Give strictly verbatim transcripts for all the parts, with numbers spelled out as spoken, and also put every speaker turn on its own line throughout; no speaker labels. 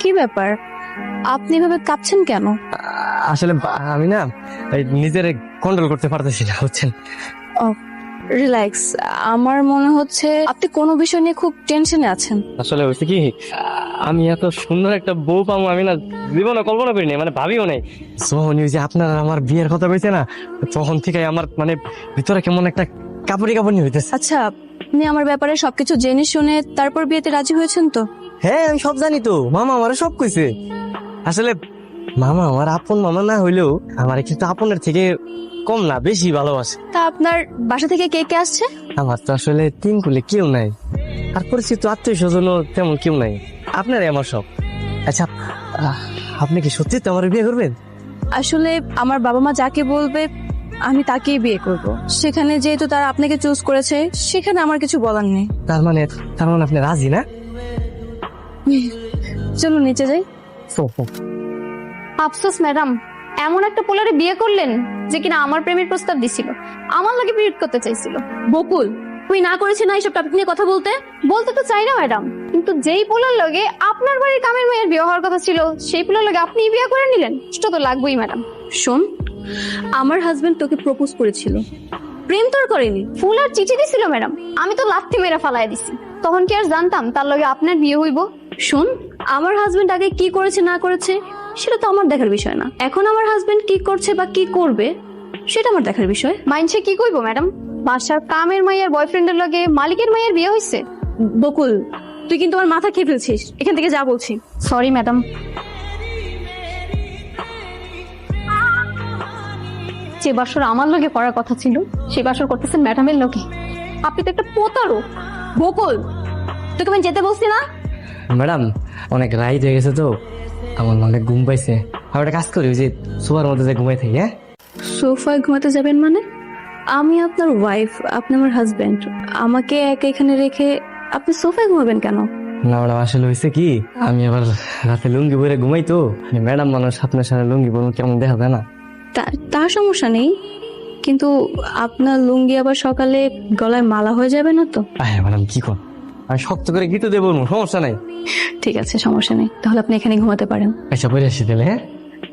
কি ব্যাপার, আপনি এভাবে কাঁপছেন কেন?
আসলে আমি না নিজের কন্ট্রোল করতে পারতেছি না, বুঝছেন?
রিল্যাক্স, আমার মনে হচ্ছে আপনি কোনো বিষয় নিয়ে খুব টেনশনে আছেন।
আসলে হচ্ছে কি, আমি এত সুন্দর একটা বউ পাবো আমি না জীবনে কল্পনা করিনি, মানে ভাবিও নাই। যখন ওই যে আপনার আমার বিয়ের কথা বলছে না, তখন থেকে আমার মানে ভিতরে কেমন একটা কাপড়ি কাপড়ি হইতেছে।
আচ্ছা, আপনি আমার ব্যাপারে সবকিছু জেনে শুনে তারপর বিয়েতে রাজি হয়েছেন তো?
হ্যাঁ আমি সব জানি তো, মামা আমার সব কইছে। আসলে মামা আমার আপন মামা না হইলেও আমার কিন্তু আপনের থেকে কম না, বেশি ভালোবাসে।
তা আপনার বাসা থেকে কে কে আসছে?
আমার তো আসলে তিন কুলে কেউ নাই, আর পরিচিত আত্মীয় স্বজনও তেমন কেউ নাই, আপনারই আমার সব। আচ্ছা আহ, আপনি কি সত্যি তো আমার বিয়ে করবেন?
আসলে আমার বাবা মা যাকে বলবে আমি তাকেই বিয়ে করব। সেখানে যেহেতু তারা আপনাকে চুজ করেছে, সেখানে আমার কিছু বলার নেই।
তার মানে তার মানে আপনি রাজি না?
চলো নিচে যাই।
আফসোস ম্যাডাম, এমন একটা পোলারে বিয়ে করলেন যে কিনা আমার প্রেমের প্রস্তাব দিছিল, আমার লাগে বিয়ে করতে চাইছিল।
বকুল, তুমি না করেছে না এইসব টপিক নিয়ে কথা বলতে?
বলতে তো চাই না ম্যাডাম, কিন্তু যেই পোলার লগে আপনার বাড়ির কামের মেয়ের বিয়ে হওয়ার কথা ছিল, সেই পোলার লগে আপনি বিয়ে করে নিলেন, সেটা তো লাগবেই ম্যাডাম।
শোন, আমার হাজবেন্ড তোকে প্রপোজ করেছিল, প্রেম তোর করেনি।
ফুল আর চিঠি দিছিল ম্যাডাম, আমি তো লাথি মেরে ফালাই দিছি। তখন কি আর জানতাম তার লগে আপনার বিয়ে হইব?
শোন, আমার হাজবেন্ড আগে কি করেছে না করেছে সেটা তো আমার দেখার বিষয় না। এখন আমার হাজবেন্ড কি করছে বা কি করবে সেটা আমার দেখার বিষয়।
মাইনসে কি কইবো ম্যাডাম, বাসার কামের মাইয়ার বয়ফ্রেন্ডের লগে মালিকের মাইয়ার বিয়ে হইছে?
বকুল, তুই কিন্তু আমার মাথা খেয়ে ফেলছিস, এখান থেকে যা বলছি।
Sorry madam. যে বাসর আমার লগে করার কথা ছিল, সেই বাসর করতেছেন ম্যাডামের লগে। আপনি তো একটা প্রতারক।
বকুল, তোকে আমি যেতে বলছি না?
ম্যাডাম অনেক রাইট হয়ে গেছে তো, আমার অনেক ঘুম পাইছে। আমি একটা কাজ করি, ওই যে সোফার মধ্যে যে ঘুমাই থাকি। হ্যাঁ,
সোফায় ঘুমাতে যাবেন মানে? আমি আপনার ওয়াইফ, আপনি আমার হাজবেন্ড, আমাকে একা এখানে রেখে আপনি সোফায় ঘুমাবেন কেন?
না ম্যাডাম, আসলে হয়েছে কি, আমি আবার রাতে লুঙ্গি পরে ঘুমাই তো, ম্যাডাম মানুষ আপনার সাথে লুঙ্গি পরে কেমন দেখা যায় না?
তা- তার সমস্যা নেই, কিন্তু আপনার লুঙ্গি আবার সকালে গলায় মালা হয়ে যাবে না তো?
হ্যাঁ ম্যাডাম, কি কর, আমি শক্ত করে গিতে দেবো, সমস্যা নাই।
ঠিক আছে, সমস্যা নেই, তাহলে আপনি এখানে ঘুমাতে পারেন।
আচ্ছা পরে আসি তাহলে। হ্যাঁ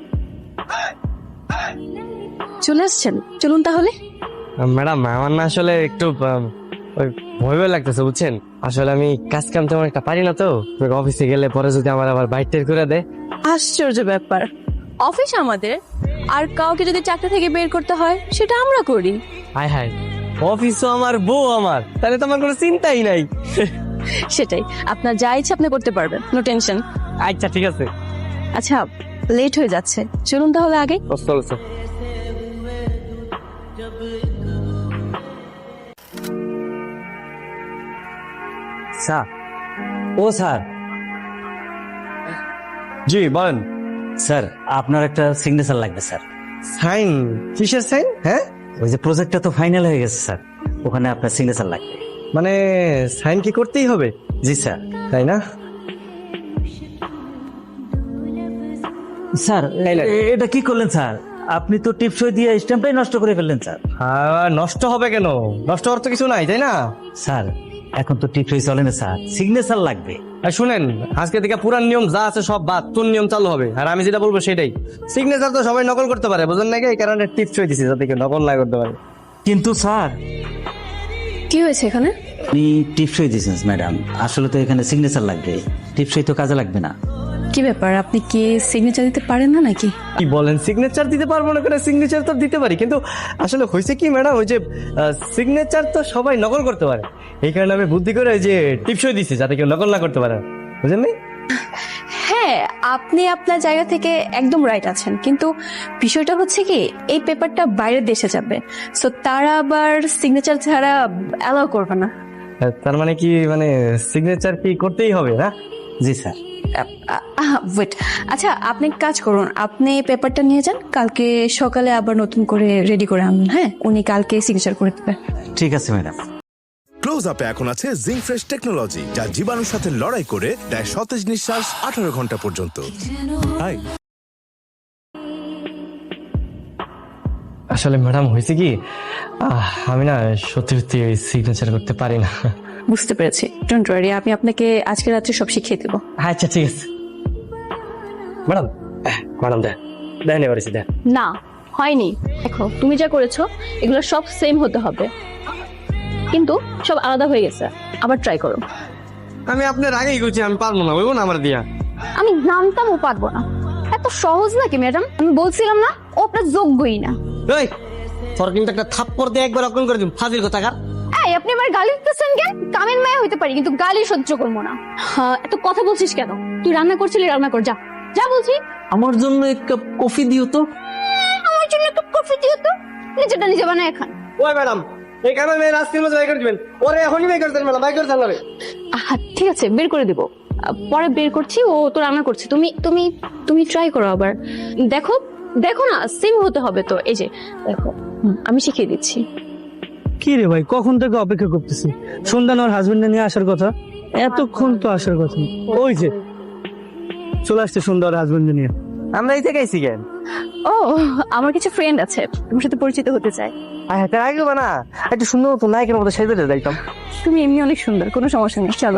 চলে আসছেন, চলুন তাহলে।
ম্যাডাম, আমার না আসলে একটু আহ, ওই ভয় ভয় লাগতেছে, বুঝছেন? আসলে আমি কাজ কাম তেমন একটা পারি না তো, অফিসে গেলে পরে যদি আমার আবার বাইট টের করে দেয়।
আশ্চর্য ব্যাপার, অফিস আমাদের, আর কাউকে যদি চাকরি থেকে বের করতে হয় সেটা আমরা করি।
হায় হায়, অফিস তো আমার, বউ আমার, তাহলে তো আমার কোনো চিন্তাই নাই।
সেটাই, আপনার যা ইচ্ছা আপনি করতে পারবেন, নো টেনশন।
আচ্ছা ঠিক আছে।
আচ্ছা, লেট হয়ে যাচ্ছে, চলুন তাহলে আগে।
চলছে।
স্যার, ও স্যার।
জি বলেন।
স্যার, আপনার একটা সিগনেচার লাগবে স্যার।
সাইন? কিসের সাইন? হ্যাঁ,
ওই যে প্রজেক্টটা তো ফাইনাল হয়ে গেছে স্যার, ওখানে আপনার সিগনেচার লাগবে।
মানে সাইন কি করতেই হবে?
জি স্যার।
তাই না?
স্যার,
এই নেন।
এ- এটা কি করলেন স্যার? আপনি তো টিপসই দিয়ে স্ট্যাম্পটাই নষ্ট করে ফেললেন স্যার।
আর নষ্ট হবে কেন? নষ্ট হওয়ার তো কিছু নাই, তাই না?
স্যার, এখন তো টিপসই চলে না স্যার, সিগনেচার লাগবে।
আর শুনেন, আজকে থেকে পুরান নিয়ম যা আছে সব বাদ, তোর নিয়ম চালু হবে, আর আমি যেটা বলবো সেটাই। সিগনেচার তো সবাই নকল করতে পারে, বুঝলেন নাকি? এই কারণে টিপস হয়ে দিছি, যাতে কেউ নকল না করতে পারে।
কিন্তু স্যার,
কি হয়েছে এখানে?
আপনি টিপসই দিয়েছেন ম্যাডাম, আসলে তো এখানে সিগনেচার লাগবে, টিপসই তো কাজে লাগবে না।
কি ব্যাপার, আপনি কি সিগনেচার দিতে পারেন না নাকি?
কি বলেন, সিগনেচার দিতে পারবো না কেন? সিগনেচার তো দিতে পারি, কিন্তু আসলে হয়েছে কি ম্যাডাম, ওই যে সিগনেচার তো সবাই নকল করতে পারে, এই কারণে আমি বুদ্ধি করে ওই যে টিপসই দিছি, যাতে কেউ নকল না করতে পারে, বুঝলেন নি?
হ্যাঁ, আপনি আপনার জায়গা থেকে একদম রাইট আছেন, কিন্তু বিষয়টা হচ্ছে কি, এই পেপারটা বাইরের দেশে যাবে, সো তারা আবার সিগনেচার ছাড়া অ্যালাউ করবে না।
আহ, তার মানে কি, মানে সিগনেচার কি করতেই হবে না?
জি স্যার।
ওয়েট, আচ্ছা আপনি এক কাজ করুন, আপনি পেপারটা নিয়ে যান, কালকে সকালে আবার নতুন করে রেডি করে আনুন। হ্যাঁ, উনি কালকে সিগনেচার করে দেবেন।
ঠিক আছে ম্যাডাম।
ক্লোজ আপে এখন আছে জিঙ্ক ফ্রেশ টেকনোলজি, যা জীবাণুর সাথে লড়াই করে দেয় সতেজ নিঃশ্বাস আঠারো ঘন্টা পর্যন্ত। হাই।
আসলে ম্যাডাম হয়েছে কি, আহ, আমি না সত্যি সত্যি সিগনেচার করতে পারি না।
বুঝতে পেরেছি, ডোন্ট ওয়ারি, আমি আপনাকে আজকে রাত্রে সব শিখিয়ে দেবো।
আচ্ছা ঠিক আছে। ম্যাডাম ম্যাডাম দেখ দেন এবার এসে দেখ
না হয়নি। দেখো তুমি যা করেছো এগুলো সব সেম হতে হবে, কিন্তু সব আলাদা হয়ে গেছে। আবার ট্রাই করো।
আমি আপনার আগেই করছি, আমি পারবো না, বলবো না আমার দিয়া।
আমি জানতাম ও পারবো না। এত সহজ নাকি ম্যাডাম? আমি বলছিলাম না ও আপনার যোগ্যই না।
এই তোর কিন্তু একটা থাপ্পড় দিয়ে একবার অজ্ঞান করে দিম, ফাজিল কোথাকার।
এই আপনি আমার গালি দিতেছেন কেন? কামের মায়া হইতে পারি কিন্তু গালি সহ্য করবো না।
হ্যাঁ, এত কথা বলছিস কেন? তুই রান্না করছিলি, রান্না কর যা।
যা বলছি।
আমার জন্য এক কাপ কফি দিও তো।
আমার জন্য একটু কফি দিও তো। নিজেটা নিজে বানায় এখন।
ওই ম্যাডাম এই কামে মেয়ে রাস্তার মধ্যে বাই করে দিবেন, ওরে এখনই বাই করে দেন ম্যাডাম, বাই করে দেন।
আহা ঠিক আছে, বের করে দিব। আহ, পরে বের করছি, ও তো রান্না করছে। তুমি তুমি তুমি ট্রাই করো আবার। দেখো দেখো না, সেম হতে হবে তো। এই যে দেখো, হুম, আমি শিখিয়ে দিচ্ছি।
কি রে ভাই, কখন থেকে অপেক্ষা করতেছি। সন্ধ্যা ওর হাজবেন্ডে নিয়ে আসার কথা, এতক্ষণ তো আসার কথা। ওই যে চলে আসছে সন্ধ্যা ওর হাজবেন্ডে নিয়ে।
আমরা এই থেকে আইছি কেন?
ও আমার কিছু ফ্রেন্ড আছে, তোমার সাথে পরিচিত হতে চাই।
হ্যাঁ তার আগে না একটু সুন্দর মতো নায়কের মতো সেজে যাইতাম।
তুমি এমনি অনেক সুন্দর, কোনো সমস্যা নেই, চলো।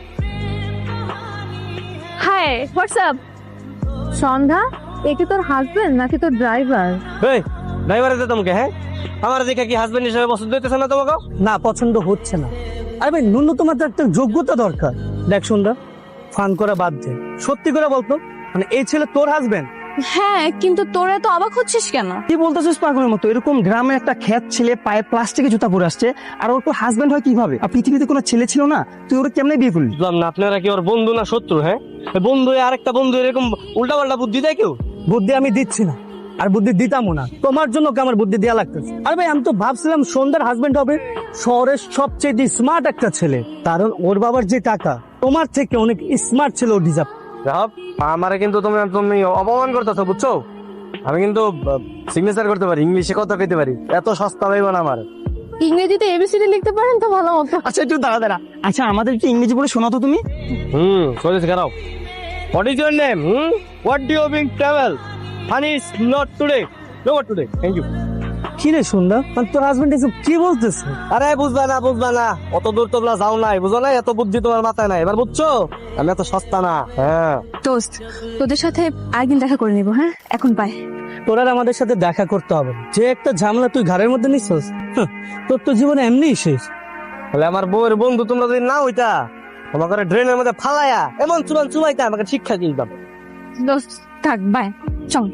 High, WhatsApp?
সন্ধ্যা, এ কি তোর হাজবেন্ড নাকি তোর ড্রাইভার?
এই ড্রাইভারে দে তোমাকে। হ্যাঁ আমার দেখে কি হাজবেন্ড হিসেবে পছন্দ হইতেছে না তোমাকে?
না, পছন্দ হচ্ছে না। আরে ভাই ন্যূনতম তো একটা যোগ্যতা দরকার। দেখ সন্ধ্যা, ফান করা বাদ দে, সত্যি করে বলতো, মানে এই ছেলে তোর হাজবেন্ড?
হ্যাঁ, কিন্তু তোরা তো অবাক হচ্ছিস কেন?
কি বলতেছিস পাগলের মতো? এরকম গ্রামে একটা খ্যাত ছেলে পায়ে প্লাস্টিকের জুতা পরে আসছে, আর ওর তো হাজবেন্ড হয় কিভাবে? আর পৃথিবীতে কোনো ছেলে ছিল না, তুই ওরা কেমনে বিয়ে করলি?
বুঝলাম না, আপনারা কি ওর বন্ধু না শত্রু? হ্যাঁ বন্ধু আরেকটা বন্ধু এরকম উল্টা পাল্টা বুদ্ধি দেয় কেউ?
বুদ্ধি আমি দিচ্ছি না, আর বুদ্ধি দিতামও না। তোমার জন্য কি আমার বুদ্ধি দেওয়া লাগতেছে? আর ভাই আমি তো ভাবছিলাম সন্ধ্যার হাজবেন্ড হবে শহরের সবচেয়ে স্মার্ট একটা ছেলে, কারণ ওর বাবার যে টাকা তোমার থেকে অনেক স্মার্ট ছিল, ও ডিজার্ভ।
আমারে কিন্তু তুমি তুমি অপমান করতেছো, বুঝছো? আমি কিন্তু সিগনেচার করতে পারি, ইংলিশে কথা কইতে পারি, এত সস্তা হইব না আমার।
ইংরেজিতে এবিসিডি লিখতে পারেন তো ভালো মতো।
আচ্ছা একটু দাঁড়া দাঁড়া, আচ্ছা আমাদের কি ইংরেজি বলে শোনাতো তুমি?
হুম কইতেছি খারাপ। What is your name? Hmm what do you being travel? Honey is not today, no today, thank you.
কি রে সন্ধ্যা, মানে তোর হাজবেন্ড এসব কি বলতেছে?
আরে বুঝবা না বুঝবা না, অত দূর তোমরা যাও নাই, বুঝো না? এত বুদ্ধি তোমার মাথায় নাই, এবার বুঝছো? আমি এত সস্তা না। হ্যাঁ
দোস্ত, তোদের সাথে আরেকদিন দেখা করে নিব। হ্যাঁ এখন বাই।
তোর আর আমাদের সাথে দেখা করতে হবে না। যে একটা ঝামেলা তুই ঘরের মধ্যে নিছিস, হাহ, তোর তো জীবনে এমনিই শেষ।
তাহলে আমার বউয়ের বন্ধু তোমরা যদি না হইতা, তোমাকে ড্রেনের মধ্যে ফালাইয়া এমন চুবান চুবাইতা, আমাকে শিক্ষা দিতাম।
দোস্ত থাক, বাই, চল।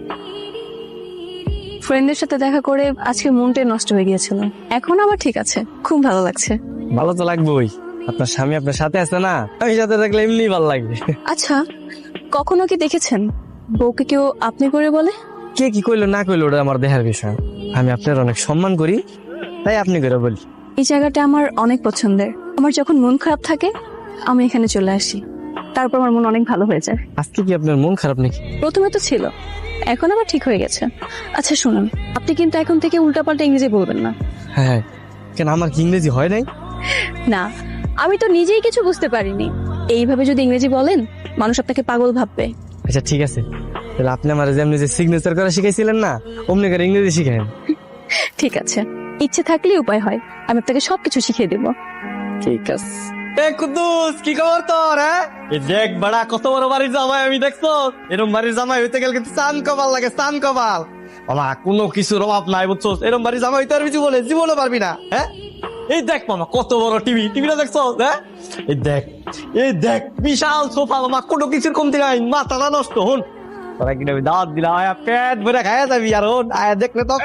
ফ্রেন্ডের সাথে দেখা করে আজকে মনটাই নষ্ট হয়ে গিয়েছিল, এখন আবার ঠিক আছে, খুব ভালো লাগছে।
ভালো তো লাগবেই, আপনার স্বামী আপনার সাথে আছে না, আমি সাথে থাকলে এমনি ভালো লাগবে।
আচ্ছা, কখনো কি দেখেছেন বউকে কেউ আপনি করে বলে?
কে কি কইলো না কইলো ওটা আমার দেখার বিষয়। আমি আপনার অনেক সম্মান করি, তাই আপনি করে বলি।
এই জায়গাটা আমার অনেক পছন্দের। আমার যখন মন খারাপ থাকে আমি এখানে চলে আসি, তারপর আমার মন অনেক ভালো হয়ে যায়।
আজকে কি আপনার মন খারাপ নাকি?
প্রথমে তো ছিল, এখন আবার ঠিক হয়ে গেছে। আচ্ছা শুনুন, আপনি কিন্তু এখন থেকে উল্টাপাল্টা ইংরেজি বলবেন না।
হ্যাঁ হ্যাঁ, কেন আমার কি ইংরেজি হয় নাই?
না, আমি তো নিজেই কিছু বুঝতে পারিনি। এইভাবে যদি ইংরেজি বলেন মানুষ আপনাকে পাগল ভাববে।
আচ্ছা ঠিক আছে, তাহলে আপনি আমার যেমনি যে সিগনেচার করা শিখাইছিলেন না, অমনি করে ইংরেজি শিখেন।
ঠিক আছে, ইচ্ছে থাকলে উপায় হয়, আমি আপনাকে সবকিছু শিখিয়ে দেবো।
ঠিক আছে। এ কুদ্দুস, কি খবর তোর? হ্যাঁ এই দেখ বড়া, কত বড় বাড়ির জামাই আমি, দেখছো? এরকম বাড়ির জামাই হইতে গেলে কিন্তু চান কপাল লাগে, চান কপাল। বাবা কোনো কিছুর অভাব নাই, বুঝছো? এরকম বাড়ির জামাই হইতে আর কিছু বলে জীবনে পারবি না। হ্যাঁ এই দেখ মামা, কত বড় টিভি, টিভিটা দেখছো? হ্যাঁ এই দেখ, এই দেখ বিশাল সোফা, মামা কোনো কিছুর কমতি নাই, মাথাটা নষ্ট। হন তোরা কিনা দাওয়াত দিলা, আয়া পেট ভরে খাইয়া যাবি। আর হন আয়া দেখলে তো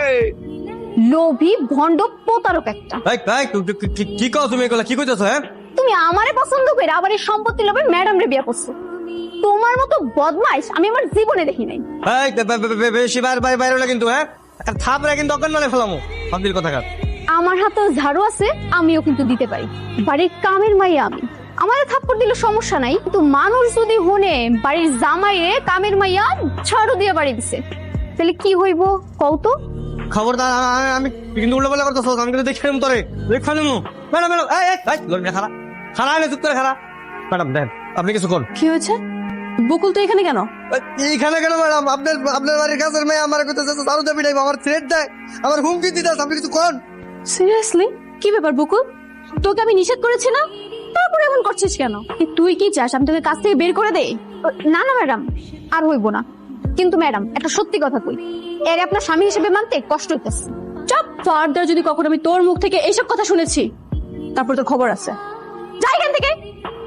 লোভী ভণ্ড প্রতারক একটা।
কি কও তুমি? এগুলা কি কইতেছো? হ্যাঁ
তুমি আমারে পছন্দ করে আবার এই সম্পত্তি লোভে ম্যাডাম রে বিয়ে করছো। তোমার মতো বদমাইশ আমি আমার জীবনে দেখি নাই।
এই বে- বে- বে- বে- বেশি বাইরে বাইরে বাইরে হলে কিন্তু, হ্যাঁ একটা থাপড়া কিন্তু অজ্ঞান মানে ফেলামো, ফাদিল কথাকার।
আমার হাতেও ঝাড়ু আছে, আমিও কিন্তু দিতে পারি। বাড়ির কামের মাইয়া আমি, আমাদের থাপ্পড় দিলে সমস্যা নাই, কিন্তু মানুষ যদি হনে বাড়ির জামাইরে কামের মাইয়া ঝাড়ু দিয়ে বাড়ি দিছে, তাহলে কি হইব কও তো?
খবরদার, আ- আমি কিন্তু উল্টো পাল্টা করতেছ, আমি কিন্তু দেখে নিম তোরে, দেখে নিম। ম্যাডাম ম্যাডাম এই এই লড়বি খারা খারা এনে চুপ করে খারা। ম্যাডাম দেন, আপনি কিছু কোন?
কি হয়েছে? বকুল তো এখানে কেন?
এইখানে কেন ম্যাডাম? আপনার আপনার বাড়ির কাছের মেয়ে আমার কইতেছে চালু দেবি নাই, আমার থ্রেট দেয়, আমার হুমকি দিতেছে, আপনি কিছু কোন?
সিরিয়াসলি? কি ব্যাপার বকুল? তোকে আমি নিষেধ করেছি না, তারপরে এমন করছিস কেন? তুই কি চাস আমি তোকে কাছ থেকে বের করে দেই?
না না ম্যাডাম, আর হইব না। কিন্তু ম্যাডাম একটা সত্যি কথা কই, এর আপনার স্বামী হিসেবে মানতে কষ্ট হইতেছে।
চপ, ফার্দার যদি কখনো আমি তোর মুখ থেকে এইসব কথা শুনেছি তারপর তো খবর আছে।
যাই এখান থেকে।